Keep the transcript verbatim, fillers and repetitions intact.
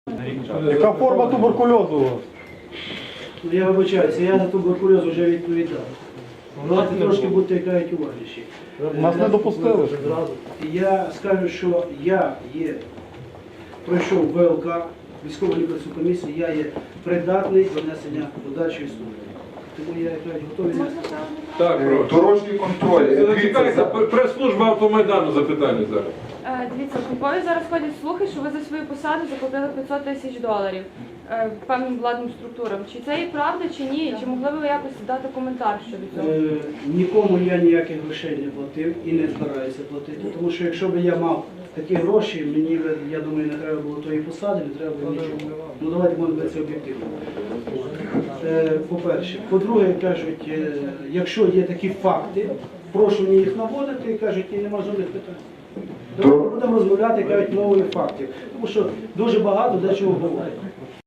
Яка форма туберкульозу у вас? Ну, я вибачаюся, я за туберкульоз вже відповідав. Давайте трошки будьте кажуть уважніші. Нас не допустили. Я скажу, що я є, пройшов ВЛК, військову лікарську комісію, я є придатний до несення подальшої служби. Тому я кажу, готовий. Так, прошу. Дорожній контроль. Зачекайте, прес-служба Автомайдану запитання зараз. Е, Дивіться, в Львові зараз ходять слухи, що ви за свою посаду заплатили п'ятсот тисяч доларів е, певним владним структурам. Чи це є правда, чи ні? Чи могли б ви якось дати коментар щодо цього? Е, Нікому я ніяких грошей не платив і не збираюся платити. Тому що якщо б я мав такі гроші, мені, я думаю, не треба було тої посади, не треба було нічого. Ну давайте будемо бути об'єктивно. Е, По-перше. По-друге, кажуть, е, якщо є такі факти, прошу мені їх наводити, кажуть, і нема жодних питань. Давайте будемо розмовляти, кажуть, мовою фактів. Тому що дуже багато дечого говорять.